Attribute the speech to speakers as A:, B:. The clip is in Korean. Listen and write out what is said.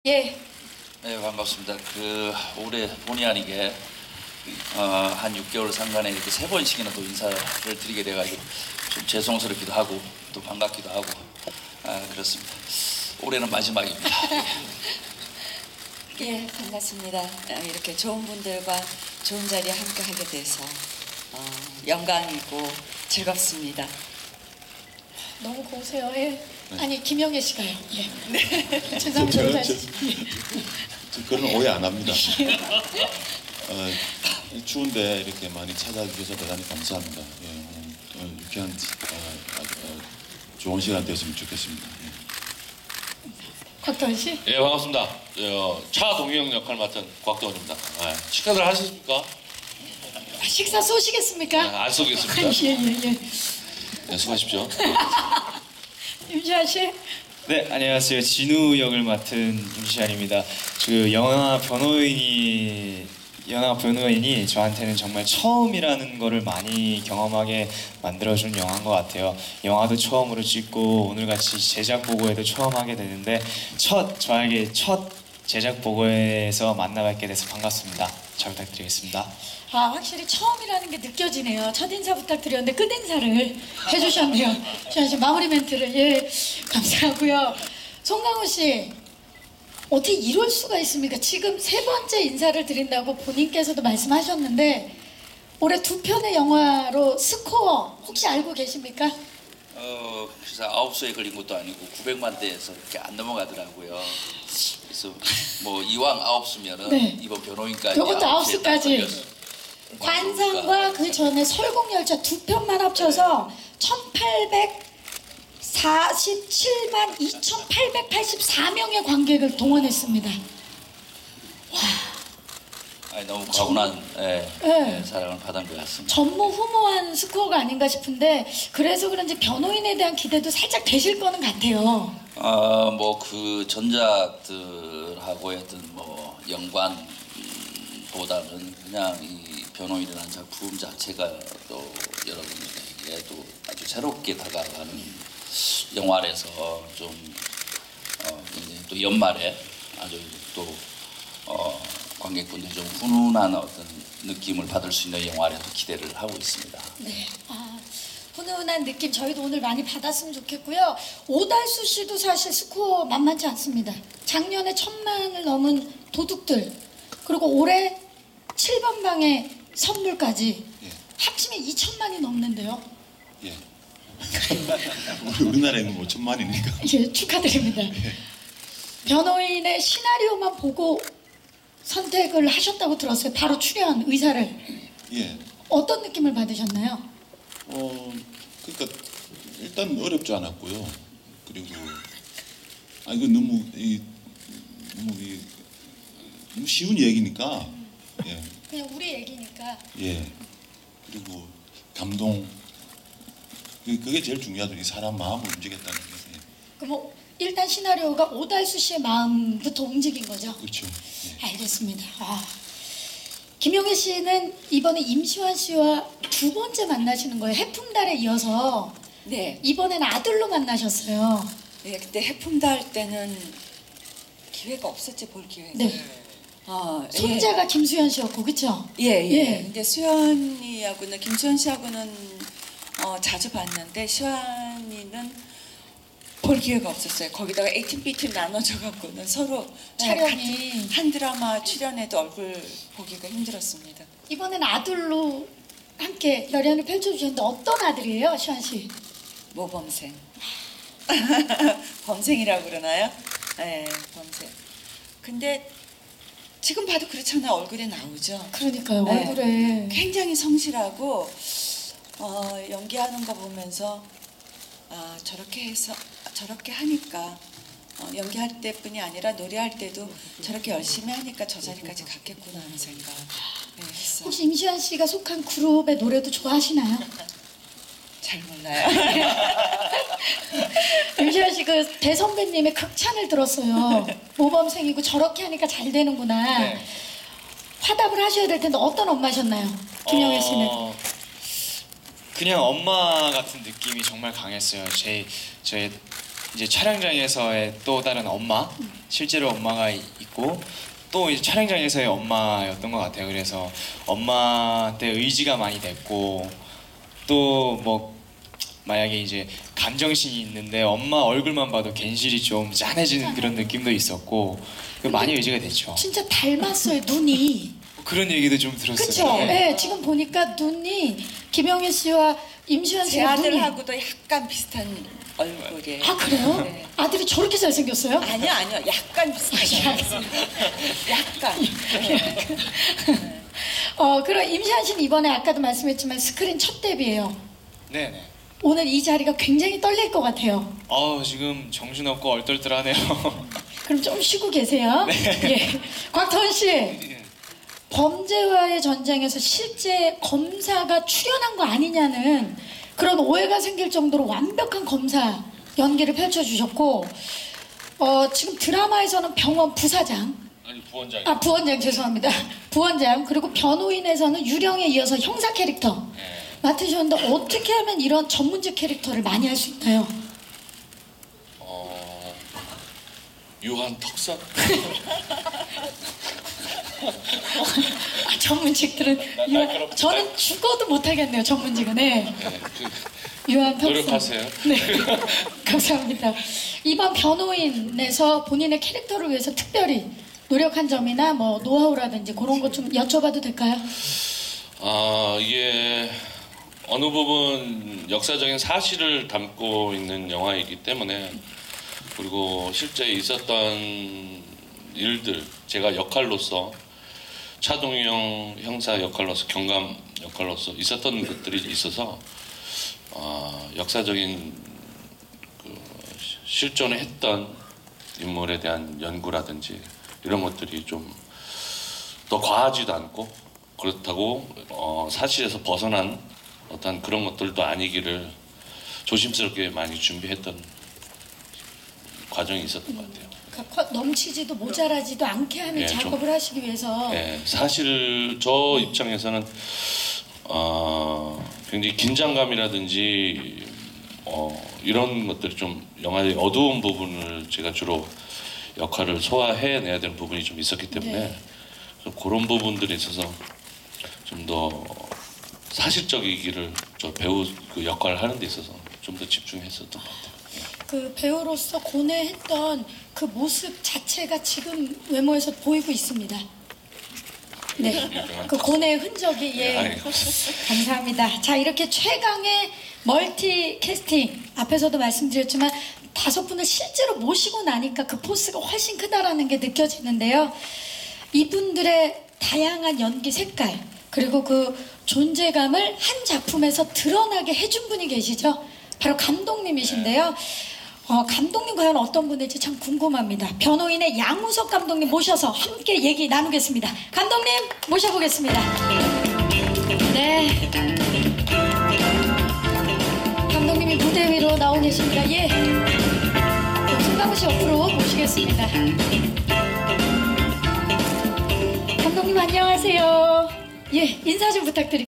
A: 예,
B: 네, 반갑습니다. 올해 본의 아니게 한 6개월 상간에 이렇게 세 번씩이나 또 인사를 드리게 돼가지고 좀 죄송스럽기도 하고 또 반갑기도 하고 그렇습니다. 올해는 마지막입니다.
A: 예, 반갑습니다. 이렇게 좋은 분들과 좋은 자리에 함께 하게 돼서 영광이고 즐겁습니다.
C: 너무 고우세요. 예.
D: 네.
C: 아니 김영애 씨가요. 예. 네. 죄송합니다.
D: 그런 오해 안 합니다. 추운데 이렇게 많이 찾아주셔서 대단히 감사합니다. 예, 오늘 유쾌한 좋은 시간 되었으면 좋겠습니다. 예.
C: 곽도원 씨.
E: 예, 반갑습니다. 차동영 역할 맡은 곽도원입니다. 식사들 하셨습니까?
C: 식사 쏘시겠습니까?
E: 안 쏘겠습니다.
C: 예.
E: 네, 수고하십시오.
C: 임시완 씨.
F: 네, 안녕하세요. 진우 역을 맡은 임시안입니다. 영화 변호인이 저한테는 정말 처음이라는 거를 많이 경험하게 만들어준 영화인 것 같아요. 영화도 처음으로 찍고 오늘같이 제작 보고회도 처음 하게 되는데 저에게 첫 제작 보고회에서 만나뵙게 돼서 반갑습니다. 잘 부탁드리겠습니다.
C: 확실히 처음이라는 게 느껴지네요. 첫 인사 부탁드렸는데 끝 인사를 해주셨네요. 시완 씨 마무리 멘트를 감사하고요. 송강호 씨. 어떻게 이럴 수가 있습니까? 지금 세 번째 인사를 드린다고 본인께서도 말씀하셨는데 올해 두 편의 영화로 스코어 혹시 알고 계십니까?
B: 그래서 9수에 걸린 것도 아니고 900만 대에서 이렇게 안 넘어가더라고요. 그래서 뭐 이왕 9수면은
C: 네.
B: 이번 변호인까지
C: 요것도
B: 9수에
C: 9수까지. 관상과 그 전에 설국열차 두 편만 합쳐서 1847만 2884명의 관객을 동원했습니다.
B: 너무 과분한
C: 네.
B: 사랑을 받은 것 같습니다.
C: 전무후무한 스코어가 아닌가 싶은데 그래서 그런지 변호인에 대한 기대도 살짝 되실 거는 같아요.
B: 뭐 그 전작들하고 했던 뭐 연관보다는 그냥 이 변호인이라는 작품 자체가 또 여러분들에게 또 아주 새롭게 다가가는 영화라서 좀 이제 또 연말에 아주 또 관객분들이 좀 훈훈한 어떤 느낌을 받을 수 있는 영화라도 기대를 하고 있습니다.
C: 네. 훈훈한 느낌 저희도 오늘 많이 받았으면 좋겠고요. 오달수 씨도 사실 스코어 만만치 않습니다. 작년에 1000만을 넘은 도둑들 그리고 올해 7번 방의 선물까지
D: 예.
C: 합치면 2000만이 넘는데요.
D: 예. 우리나라에는 뭐 1000만이니까.
C: 예, 축하드립니다. 변호인의 시나리오만 보고 선택을 하셨다고 들었어요. 바로 출연 의사를.
D: 예.
C: 어떤 느낌을 받으셨나요?
D: 그러니까 일단 어렵지 않았고요. 그리고 이거 너무 너무 쉬운 얘기니까. 예.
C: 그냥 우리 얘기니까.
D: 예. 그리고 감동. 그게 제일 중요하죠. 이 사람 마음을 움직였다는 게. 예.
C: 그럼 일단 시나리오가 오달수 씨의 마음부터 움직인 거죠?
D: 그렇죠. 예.
C: 알겠습니다. 김용혜 씨는 이번에 임시완 씨와 두 번째 만나시는 거예요. 해품달에 이어서
A: 네,
C: 이번에는 아들로 만나셨어요.
A: 네, 그때 해품다 할 때는 기회가 없었지 볼 기회가.
C: 네.
A: 예.
C: 손자가 김수현 씨였고, 그렇죠?
A: 예.
C: 예.
A: 근데 수연이하고는 김수현 씨하고는 자주 봤는데 시완이는 볼 기회가 없었어요. 거기다가 A팀, B팀 나눠져 갖고는 서로
C: 촬영이.
A: 같은 한 드라마 출연해도 얼굴 보기가 힘들었습니다.
C: 이번엔 아들로 함께 열연을 펼쳐주셨는데 어떤 아들이에요, 시환 씨?
A: 모범생. 범생이라고 그러나요? 네, 범생. 근데 지금 봐도 그렇잖아요. 얼굴에 나오죠.
C: 그러니까요,
A: 네.
C: 얼굴에.
A: 굉장히 성실하고 연기하는 거 보면서 저렇게 하니까 연기할 때뿐이 아니라 노래할 때도 저렇게 열심히 하니까 저 자리까지 갔겠구나 하는 생각 했어요.
C: 혹시 임시완 씨가 속한 그룹의 노래도 좋아하시나요?
A: 잘 몰라요.
C: 임시완 씨 그 대선배님의 극찬을 들었어요. 모범생이고 저렇게 하니까 잘 되는구나.
F: 네.
C: 화답을 하셔야 될 텐데 어떤 엄마셨나요? 김영애 씨는.
F: 그냥 엄마 같은 느낌이 정말 강했어요. 제 이제 촬영장에서의 또 다른 엄마, 실제로 엄마가 있고 또 이제 촬영장에서의 엄마였던 것 같아요. 그래서 엄마한테 의지가 많이 됐고 또 뭐 만약에 이제 감정신이 있는데 엄마 얼굴만 봐도 괜시리 좀 짠해지는 그런 느낌도 있었고 많이 의지가 됐죠.
C: 진짜 닮았어요, 눈이.
F: 그런 얘기도 좀 들었어요.
C: 그쵸? 네, 지금 보니까 눈이 김영애 씨와 임시완
A: 제
C: 씨가 눈이.
A: 아들하고도 약간 비슷한 얼굴이에요.
C: 아, 그래요?
A: 네.
C: 아들이 저렇게 잘생겼어요?
A: 아니요, 약간 비슷하죠. 약간.
C: 그럼 임시완 씨는 이번에 아까도 말씀했지만 스크린 첫 데뷔예요.
F: 네네.
C: 오늘 이 자리가 굉장히 떨릴 것 같아요.
F: 지금 정신없고 얼떨떨하네요.
C: 그럼 좀 쉬고 계세요. 예. 곽태원 씨, 범죄와의 전쟁에서 실제 검사가 출연한 거 아니냐는 그런 오해가 생길 정도로 완벽한 검사 연기를 펼쳐주셨고, 지금 드라마에서는 병원 부사장,
E: 아니 부원장이.
C: 부원장 죄송합니다. 부원장, 그리고 변호인에서는 유령에 이어서 형사 캐릭터 맡으셨는데 어떻게 하면 이런 전문직 캐릭터를 많이 할 수 있나요?
E: 유한 턱선.
C: 전문직들은
E: 날카롭다.
C: 저는 죽어도 못하겠네요. 전문직은. 네.
E: 네,
C: 유한 턱선.
E: 노력하세요.
C: 네. 감사합니다. 이번 변호인에서 본인의 캐릭터를 위해서 특별히 노력한 점이나 뭐 노하우라든지 그런 것 좀 여쭤봐도 될까요?
E: 이게 어느 부분 역사적인 사실을 담고 있는 영화이기 때문에 그리고 실제 있었던 일들 제가 역할로서 차동영 형사 역할로서 경감 역할로서 있었던 것들이 있어서 역사적인 실존을 했던 인물에 대한 연구라든지 이런 것들이 좀 더 과하지도 않고 그렇다고 사실에서 벗어난 어떤 그런 것들도 아니기를 조심스럽게 많이 준비했던 과정이 있었던 것 같아요.
C: 그러니까 넘치지도 모자라지도 않게 하는
E: 예,
C: 작업을 하시기 위해서.
E: 네, 사실 저 입장에서는 굉장히 긴장감이라든지 이런 것들이 좀 영화의 어두운 부분을 제가 주로 역할을 소화해내야 되는 부분이 좀 있었기 때문에
C: 네.
E: 그래서 그런 부분들에 있어서 좀 더 사실적이기를 저 배우 그 역할을 하는 데 있어서 좀 더 집중했었던 것 같아요.
C: 그 배우로서 고뇌했던 그 모습 자체가 지금 외모에서 보이고 있습니다. 네, 그 고뇌의 흔적이 감사합니다. 자, 이렇게 최강의 멀티 캐스팅 앞에서도 말씀드렸지만 5분을 실제로 모시고 나니까 그 포스가 훨씬 크다라는 게 느껴지는데요. 이분들의 다양한 연기 색깔 그리고 그 존재감을 한 작품에서 드러나게 해준 분이 계시죠. 바로 감독님이신데요. 감독님 과연 어떤 분일지 참 궁금합니다. 변호인의 양우석 감독님 모셔서 함께 얘기 나누겠습니다. 감독님 모셔보겠습니다. 네. 감독님이 무대 위로 나오 계십니다. 예. 송강호 씨 옆으로 모시겠습니다. 감독님 안녕하세요. 예, 인사 좀 부탁드립니다.